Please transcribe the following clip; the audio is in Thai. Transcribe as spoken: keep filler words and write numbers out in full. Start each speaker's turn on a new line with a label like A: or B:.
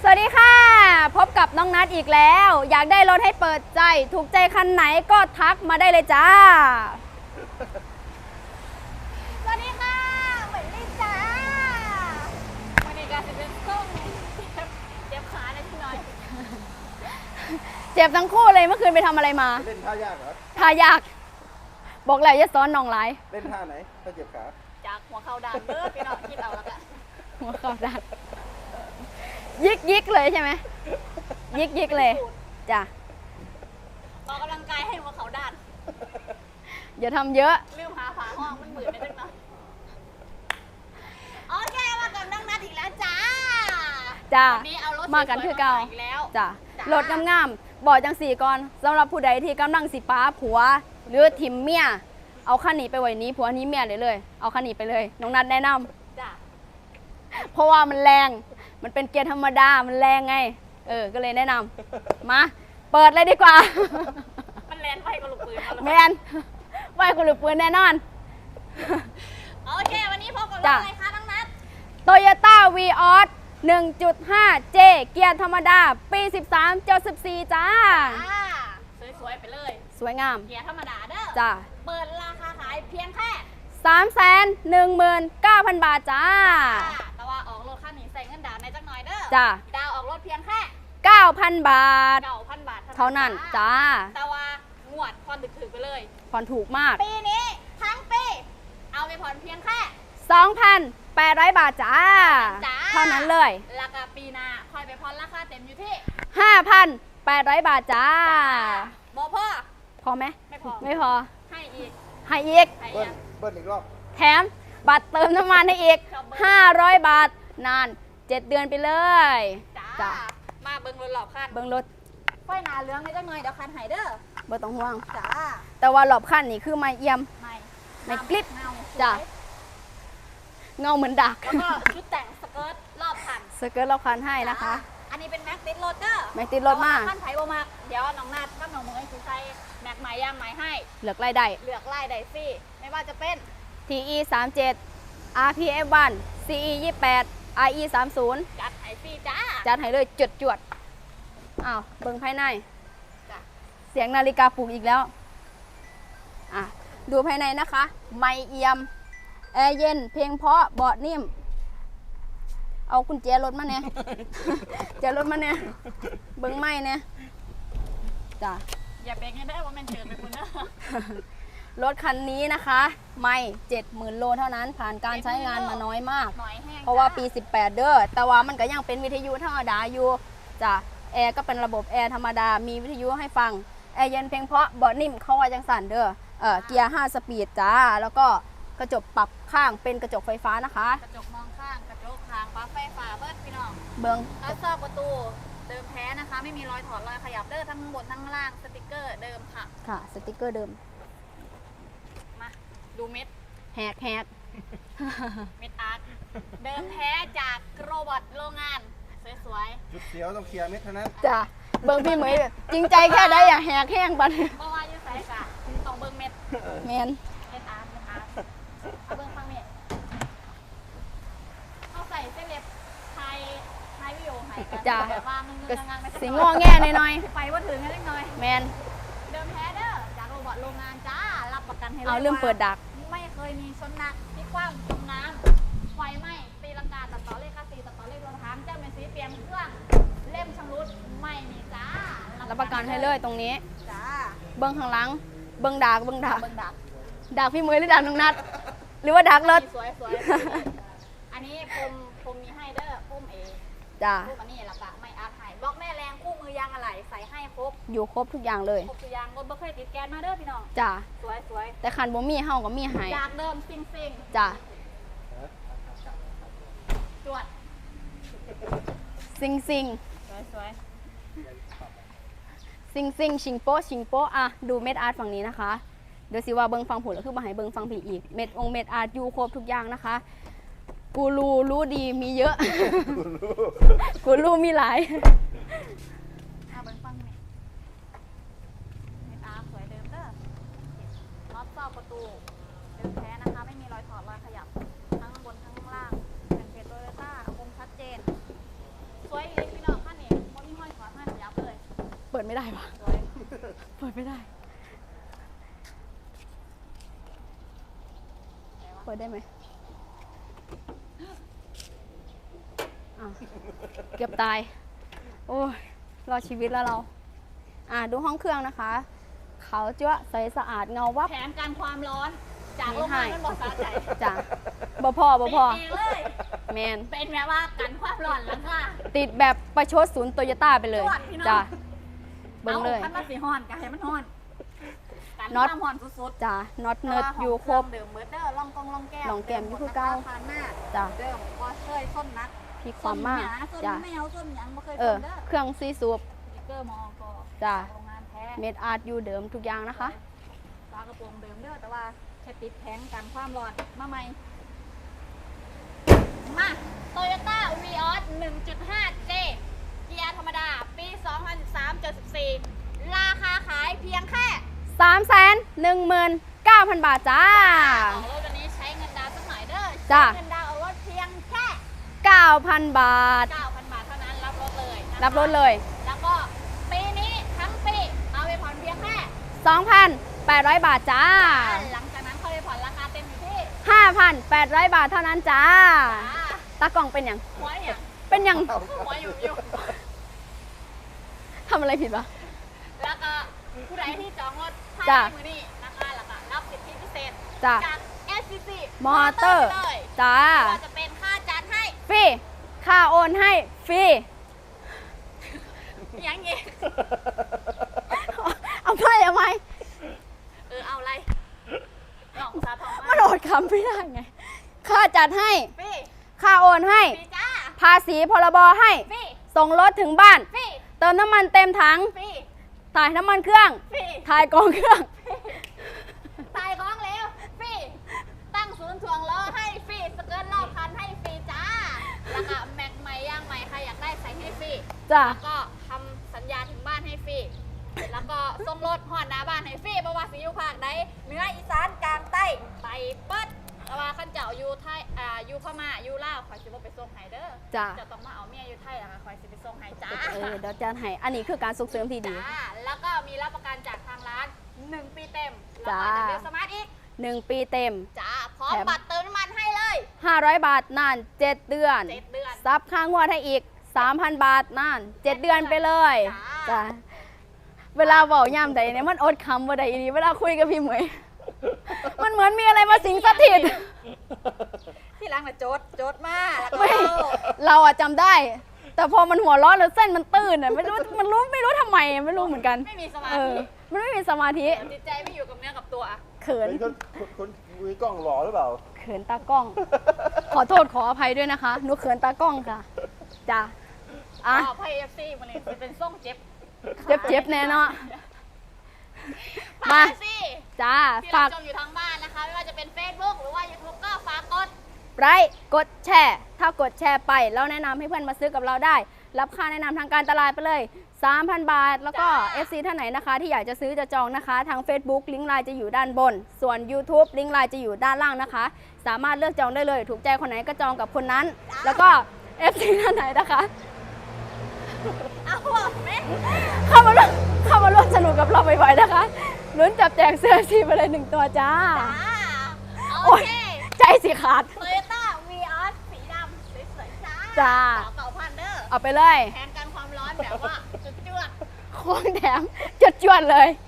A: สวัสดีค่ะพบกับน้องนัทอีกแล้วอยากได้รถให้เปิดใจถูกใจคันไหนก็ทักมาได้เลยจ้า
B: สวัสดีค่ะเหมือนลิจ้าวันนี้การจะเป็นส้มเจ็บขาเลยพี่น้อย
A: เจ็บทั้งคู่เลยเมื่อคืนไปทำอะไรมา
C: เล่นท่ายากเหรอ
A: ท่ายากบอกแล้วอย่าซ้อนน้องไลฟ์
C: เล่นท่าไหนถ้าเจ็บขา
B: จากหัวเข่าด่านเบิร์ดพี่น้อยคิดเอาแล้วกัน
A: หัวเข่าด่านยิกยิกเลยใช่ไหมยิกยิกเลยจ้ะ
B: ออกกำลังกายให้หัวเข่าด่าน
A: อย่าทำเยอะ
B: ลืมหาฝาห้องมันเหมือนในเรื่องนั้นโอเคมากับน้องนัทอีกแล้วจ้า
A: จ้า
B: วันนี้เอารถ
A: มากันคือเก่าจ้ะรถงามๆบอกจังสี่ก่อนสำหรับผู้ใดที่กำลังสิป้าผัวหรือทิมเมียเอาคันนี้ไปไว้นี้ผัวนี้เมียเลยเลยเอาคันนี้ไปเลยน้องนัทแนะนำ
B: จ้ะ
A: เพราะว่ามันแรงมันเป็นเกียร์ธรรมดามันแรงไงเออก็เลยแนะนำมาเปิดเลยดีกว่า
B: มันแลนไฟกับลูกปืน
A: แมนไฟกับลูกปืนแน่นอน
B: โอเควันนี้พบกับรถอะไรคะน้องนัท
A: Toyota Vios หนึ่งจุดห้า เจ เกียร์ธรรมดาปีสิบสามจดสิบสี่จ้า
B: สวยๆไปเลย
A: สวยงาม
B: เกียร์ธรรมดาเด้อ
A: จ้า
B: เปิดราคาขายเพียงแค่
A: สามแสนหนึ่งหมื่นเก้าพัน บาทจ้า
B: แต่ว่าออกรถคันนี้ใส่เงินดาวในจักหน่อยเด้อ
A: จ้า
B: ดาวออกรถเพียงแค่
A: เก้าพัน บาท
B: เก้าพัน บาท
A: เท่านั้นจ้า
B: แต่ว่างวดผ่อนถึกๆไปเลย
A: ผ่อนถูกมาก
B: ปีนี้ทั้งปีเอาไปผ่อนเพียงแค่
A: สองพันแปดร้อย บาทจ้าเท่านั้นเลย
B: ราคาปีหน้าค่อยไปผ่อนราคาเต็มอยู่ที่
A: ห้าพันแปดร้อย บาทจ้า
B: บอพ่อ
A: พอไหม
B: ไม่พอ
A: ไม่พอ
B: ให้อีก
A: ให้อีก
C: เบิ้ลเบิ้ลอีกรอบ
A: แถมบัตรเติมน้ำมันให้อีกห้าร้อยบาทนานเจ็ดเดือนไปเลย
B: จ้ามาเบิ้งรถหลอบคัน
A: เบิ้งรถ
B: ไฟหนาเหลืองในจักหน่อยเดี๋ยวคันหายเด้อ
A: บ่ต้องห่วง
B: จ้า
A: แต่ว่าหลอบคันนี่คือไม่เอี่ยม
B: ไม่
A: ไม่กลิบจ้าเงาเหมือนดัก
B: แล้วก็ชุดแต่งสเกิร์ตรอบคัน
A: สเกิร์ตรอบคันให้นะคะ
B: อันนี้เป็นแม็กติดรถเด้อ
A: แม็กติดรถมาก
B: ขั้นไผ่บ่มากเดี๋ยวน้องนาดกับน้องเมย์คือใส่แม็กไม้ย่างไม้ให้
A: เลือกไล่ได้
B: เลือกไล่ได้ฟรีไม่ว่าจะเป็น
A: ที อี สามสิบเจ็ด อาร์ พี เอฟ วัน ซี อี ยี่สิบแปด อาร์ อี สามสิบ
B: จัดให้ฟรีจ้า
A: จัดให้เลยจดจวดอ้าวเบิ่งภายในเสียงนาฬิกาปลุกอีกแล้วอ่ะดูภายในนะคะไม่เอี่ยมแอร์เย็นเพลงเพราะเบาะนิ่มเอากุญแจรถมาเนี่ยแจรถมาเนี่ยเบิ้งไม่เนี่ยจ้ะ
B: อย่าเบรกให้ได้ว่ามันเฉินไปคุณนะ
A: รถคันนี้นะคะไม่เจ็ดหมื่นโลเท่านั้นผ่านการใช้งานมาน้อยมากเพราะว่าปีสิบแปดเด้อแต่ว่ามันก็ยังเป็นวิทยุธรรมดาอยู่จ้ะแอร์ก็เป็นระบบแอร์ธรรมดามีวิทยุให้ฟังแอร์เย็นเพลงเพราะเบาะนิ่มเข้าว่าจังสันเด้อเออเกียร์ห้าสปีดจ้าแล้วก็กระจกปรับข้างเป็นกระจกไฟฟ้านะคะ
B: กระจกมองข้างกระจกข้างปลั๊กไฟฟ้าเบิร์ดพี่น้อง
A: เบิ้ง
B: กระซอกประตูเดิมแท้นะคะไม่มีรอยถอดรอยขยับเด้อทั้งบนทั้งล่างสติกเกอร์เดิมค่ะ
A: ค่ะสติกเกอร์เดิม
B: มาดูเม็ด
A: แหกแหก
B: เม็ดอาร์ตเดิมแท้จากโรบอทโรงงานสวย
C: ๆจุดเสียวต้องเคลียร์เม็ดเท่านั้น
A: จ้ะเบิ้งพี่เหมยจริงใจแค่ได้อย่าแหกแห้งบัด
B: เพราะว่าอยู่ใส่กะต้องเบิ้งเม็ด
A: แมน
B: เม็ดอาร์ตเม็ดอาร์ตเอาเบิ้งฟังเม็ดเอาใส่เส้นเล็บไทยไทยวิโอไฮกัน
A: จ้ะ
B: ว่ามึงงงไม่
A: สิงอแง่หน่อย
B: ไปว่าถึงนิดหน่อย
A: แมน
B: เดิมแท้เด้อจากโรบอทโรงงานจ้ารับประกันให้เลย
A: เอาเรื่องเปิดดัก
B: ไม่เคยมีชนหนักที่คว้างจมน้ำไฟไหม้ตีลังกาตัดต่อเลขค่าสีตัดต่อเลขรถทางเจ้าเมสีเปลี่ยนเครื่องเล่มชำรุดไม่มีจ้า
A: รับประกันให้เลยตรงนี้
B: จ้า
A: เบิ้งข้างหลังเบิ้งดักเบิ้งดัก
B: เบิ้งดัก
A: ดักพี่เหมยหรือดักน้องนัดหรือว่าดักรถ
B: สวยสวยอันนี้ผมผมมีให้เด้อพุ่มเอ
A: จ้า
B: พุ่มอันนี้ละปะไม่อาร์ตให้บล็อกแม่แรงคู่มือยางอะไหล่ใส่ให้ครบ
A: อยู่ครบทุกอย่างเลย
B: ครบทุกอย่างรถบ่เคยติดแก๊สมาเด้อพี่น้อง
A: จ้า
B: สวยสวย
A: แต่คันบ่มีเฮาก็มีให้
B: จากเดิมซิงซิง
A: จ้า
B: จวด
A: ซิงซิง
B: สวยสวย
A: ซิงซิงชิงโป๊ชิงโป๊อะดูเม็ดอาร์ตฝั่งนี้นะคะเดี๋ยวสิว่าเบิ้งฟังผลแล้วคือมาให้เบิ้งฟังผีอีกเม็ดองเม็ดอาร์ตอยู่ครบทุกอย่างนะคะกูรูรู้ดีมีเยอะกูรู้มีหลาย
B: เอาเบิ้งฟังเม็ดเม็ดอาร์ตสวยเดิมเด้อน็อตซอกประตูเดิมแท้นะคะไม่มีรอยถอดรอยขยับทั้งบนทั้งล่างเป็นเพจโตโยต้าคมชัดเจนสวยเลยพี่น้อง
A: ดไม่ได้ปะ
B: สวย
A: เปิดไม่ได้ เปิดได้ไหมอ่ะเกือบตาย โอ้ยรอดชีวิตแล้วเรา อ่ะดูห้องเครื่องนะคะ เขาวจ้วะใสสะอาดเงาวับ
B: แผนการความร้อนจากโรงงานมันบอกสาใจ
A: จ้ะบ่พอบ่พอ
B: เป็นเองเลย
A: แมน
B: เป็นแบบว่ากันความร้อนหลังค่ะ
A: ติดแบบประชดศูนย์โตโยต้าไปเลย
B: จวดพี่น้อง
A: จ้ะเบิ้งเลย
B: อาคันมาสีห้อนกันให้มันห้อนกัน
A: น็อต
B: ความห้อนสุดๆ
A: จ้ะน็อตเนิร์ดอยู่ครบ
B: เดิมเบิร์ดเดอร์ล่องกองล่องแก้ว
A: ล่องแก้มอยู่คือเก่า
B: ทานหน้า
A: จ้ะ
B: เดิมก็เคยส้นนัก
A: พี่ความมาก
B: ส้น
A: จ้ะ
B: แมวส้นหยังไม่เคย
A: เอ
B: ส้
A: อน
B: เด้อ
A: เครื่องซีซูบ
B: สติ๊กเกอร์มองก็
A: จ้ะ
B: โรงงานแท้
A: เมดอาร์ตอยู่เดิมทุกอย่างนะคะ
B: ฝากระโปรงเดิมเด้อแต่ว่าแค่ติดแผงกันความร้อนมาใหม่มาโตโยต้าวีออส หนึ่งจุดห้า เจ เกียร์ธรรมดา ปี สองพันสิบสาม เจ็ดสิบสี่ ราคาขายเพียงแค่
A: สามแสนหนึ่งหมื่นเก้าพันบาทจ้า
B: ออกรถวันนี้ใช้เงินดาวน์สักหน่อยเด้อ
A: จ้ะ
B: ใช้เงินดาวน์เอารถเพียงแค่
A: เก้าพันบาท
B: เก้าพัน บาทเท่านั้นรับรถเลยนะคะ
A: รับรถเลย
B: แล้วก็ปีนี้ทั้งปีเอาไปผ่อนเพียงแค่
A: สองพันแปดร้อยบาทจ้า
B: หลังจากนั้นค่อยไปผ่อนราคาเต็มอยู่ที่
A: ห้าพันแปดร้อยบาทเท่านั้นจ้า
B: อ่า
A: ตากล่องเป็นอย่าง
B: หัวเนี่ย
A: เป็นอย่าง
B: หัวอยู่อยู่
A: ทำอะไรผิดวะ
B: แล้วก็ผู้ใดที่จองรถภาย
A: จ้ะ
B: ในมือนี้นะคะแล้วก็รับสิทธิพิเศษ
A: จ้ะ
B: จาก เอส ซี ซี
A: มอเตอร์
B: ไปเลย
A: จ้า
B: ไม่ว่าจะเป็นค่าจัดให้
A: ฟรี ค่าโอนให้ฟรี
B: ยังเงี้
A: เอาไปเอาไป
B: เออเอาอะไรหน่องซาทอง
A: มันโอดคำไม่ได้ไง ค่าจัดให้
B: ฟรี
A: ค่าโอนให้
B: ฟรีจ้า
A: ภาษีพรบให้
B: ฟรี
A: ส่งรถถึงบ้าน
B: ฟรี
A: เติมน้ำมันเต็มถัง
B: ฟรี
A: ถ่ายน้ำมันเครื่อง
B: ฟรี
A: ถ่ายกองเครื่อง
B: ตายของแล้วฟรีตั้งศูนย์ถ่วงล้อให้ฟรีสเกิร์ตรอบคันให้ฟรีจ้าแล้วก็แม็กใหม่ย่างใหม่ใครอยากได้ใส่ให้ฟรี
A: จ้ะ
B: แล้วก็ทำสัญญาถึงบ้านให้ฟรี แล้วก็ส่งรถหอดหน้าบ้านให้ฟรีเพราะว่าสิอยู่ภาคใดเหนืออีสานกลางใต้ไปเปิดแต่ว่าขั้นเจ้าอยู่ไทยอ่าอยู่พม่าอยู่ลาวคอยสิบ่ไปส่งให้เด้อ
A: จ้ะ
B: จะต้องมาเอาเมียอยู่ไทยแล้วก็คอยสิไปส่งให้จ้า
A: เออเดี๋ยวจะให้ อันนี้คือการส่งเสริมที่ดี
B: จ้าแล้วก็มีรับประกันจากทางร้านหนึ่งปีเต็มแล้ว
A: จ้า
B: ก็จะเป็นสมาร์ทอีก
A: หนึ่งปีเต็ม
B: จ้าพร้อม
A: แถม
B: บัตรเติมน้ำมันให้เลย
A: ห้าร้อยบาทนานเจ็ดเดือน
B: เจ็ดเดือน
A: ซับค่างวดให้อีก สามพัน บาทนานเจ็ดเดือนไปเลย
B: จ้า
A: จ้ะ เวลาบอกย่ำใดเนี่ยมันอดคำว่าใดอีนี้เวลาคุยกับพี่เหมย มันเหมือนมีอะไรมาสิงสถิต
B: ที่ร้านมาโจดโจดมาแล้วก็
A: ไม่
B: เอา
A: เราอะจำได้ แต่พอมันหัวเร้อนแล้วเส้นมันตื้นอะไม่รู้มันรู้ไม่รู้ทำไมไม่รู้เหมือนกัน
B: ไม่มีสมา
A: เออ
B: ธิ
A: มันไม่มีสมาธิ
B: จิตใจไม่อยู่กับเนื้อกับตัว
A: เขิน
C: เฮ้ยคนคนคนมือกล้องหล่อหรือเปล่า
A: เขินตากล้อง ขอโทษขออภัยด้วยนะคะ หนูเขินตากล้องค่ะ จ้ะ อ่ะ
B: อ๋อพายเอฟซีมันเลยจะเป็นส่งเจ็บ
A: เจ็บเจ็บแน่เนาะ
B: มา
A: มา
B: สิ
A: จ้า
B: ที่
A: ฝา
B: เรา
A: ก
B: ชมอยู่ทางบ้านนะคะ ไม่ว่าจะเป็น Facebook หรือว่า YouTube ก็ฝากกด
A: ไลค์กดแชร์ ถ้ากดแชร์ไปแล้วแนะนำให้เพื่อนมาซื้อกับเราได้ รับค่าแนะนำทางการตลาดไปเลย สามพัน บาท แล้วก็
B: จ้า
A: เอฟ ซี ท่านไหนนะคะ ที่อยากจะซื้อจะจองนะคะ ทาง Facebook ลิงก์ไลน์จะอยู่ด้านบน ส่วน YouTube ลิงก์ไลน์จะอยู่ด้านล่างนะคะ สามารถเลือกจองได้เลย ถูกใจคนไหนก็จองกับคนนั้น แล้วก็ เอฟ ซี ท่านไหนนะคะ
B: เอาหัวไหม
A: เข้ามาร่วมเข้ามาร่วมสนุกกับเราบ่อยๆนะคะลุ้นจับแจกเสื้อสีไปเลยหนึ่งตัวจ้า
B: จ้า
A: โอ้
B: โอย เค
A: ใจสิขาด
B: โตโยต้าวีออสสีดำสวยๆจ้า
A: จ้า
B: ต่อเก่าพันเดอร์
A: เอาไปเลย
B: แทนกันความร้อนแบบว่าจุดจวด
A: ของแถมจดจวดเลย